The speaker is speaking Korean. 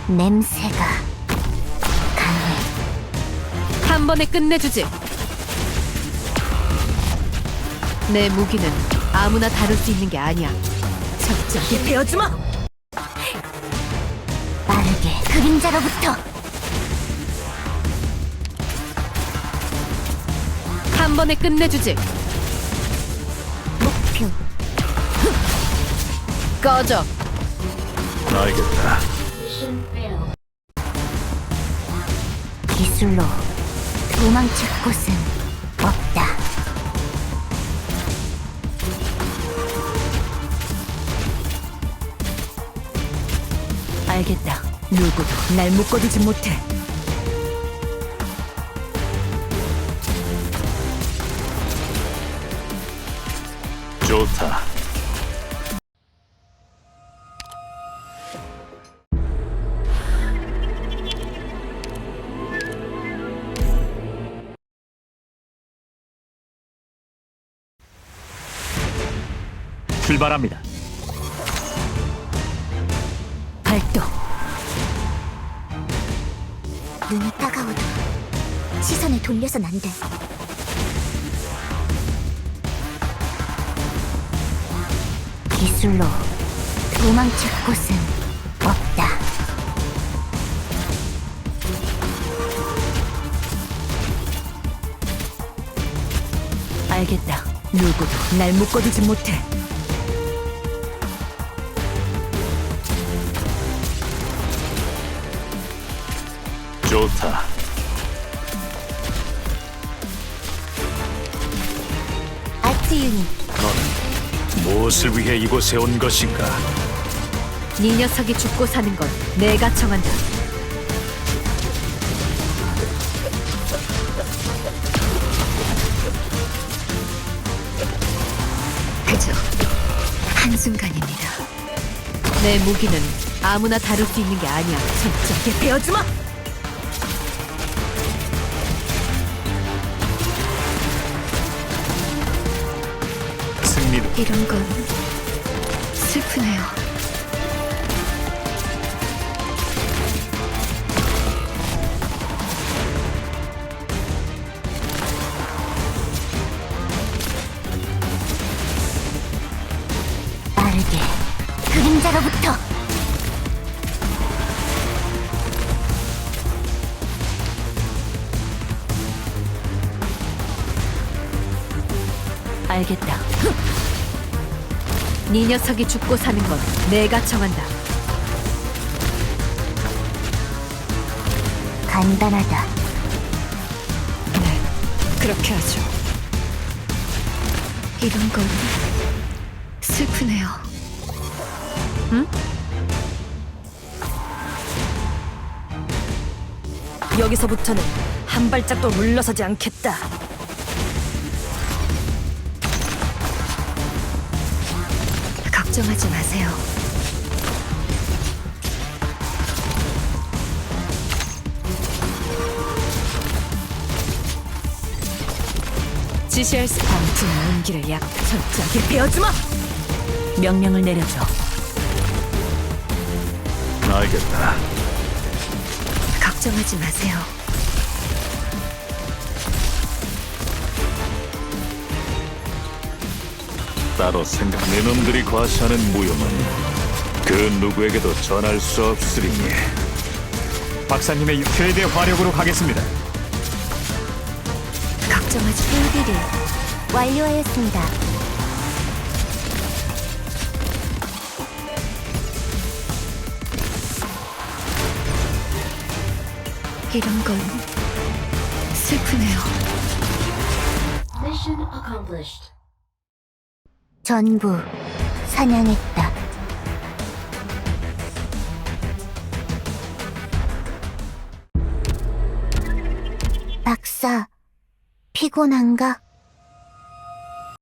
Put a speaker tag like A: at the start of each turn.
A: 냄새가 강해.
B: 한 번에 끝내주지. 내 무기는 아무나 다룰 수 있는 게 아니야. 적절히 베어주마.
A: 빠르게 그림자로부터.
B: 한 번에 끝내주지.
A: 목표
B: 꺼져.
C: 알겠다.
A: 기술로 도망칠 곳은 없다.
B: 알겠다. 누구도 날 묶어두지 못해.
C: 좋다. 출발합니다.
B: 발동.
A: 눈이 따가워도 시선을 돌려선 안 돼. 기술로 도망칠 곳은 없다.
B: 알겠다. 누구도 날 묶어두지 못해.
C: 좋다.
A: 아트 유닛
C: 너는 무엇을 위해 이곳에 온 것인가?
B: 네 녀석이 죽고 사는 건 내가 정한다. 그저 한순간입니다. 내 무기는 아무나 다룰 수 있는 게 아니야. 적절히 베어주마.
C: 승리는
B: 이런 건 슬프네요.
A: 빠르게 그림자로부터.
B: 알겠다. 네 녀석이 죽고 사는 건 내가 정한다.
A: 간단하다.
B: 네, 그렇게 하죠. 이런 건 슬프네요. 응? 여기서부터는 한 발짝도 물러서지 않겠다. 걱정하지 마세요. 지시할 수 방풍 온기를 약 철저하게 베어주마. 명령을 내려줘.
C: 알겠다.
B: 걱정하지 마세요.
C: 따로 생각. 내 놈들이 과시하는 무용은 그 누구에게도 전할 수 없으리니. 박사님의 최대 화력으로 가겠습니다.
B: 걱정하지
A: 일들이 완료하였습니다.
B: 이런 건 슬프네요.
D: Mission accomplished.
A: 전부 사냥했다. 박사, 피곤한가?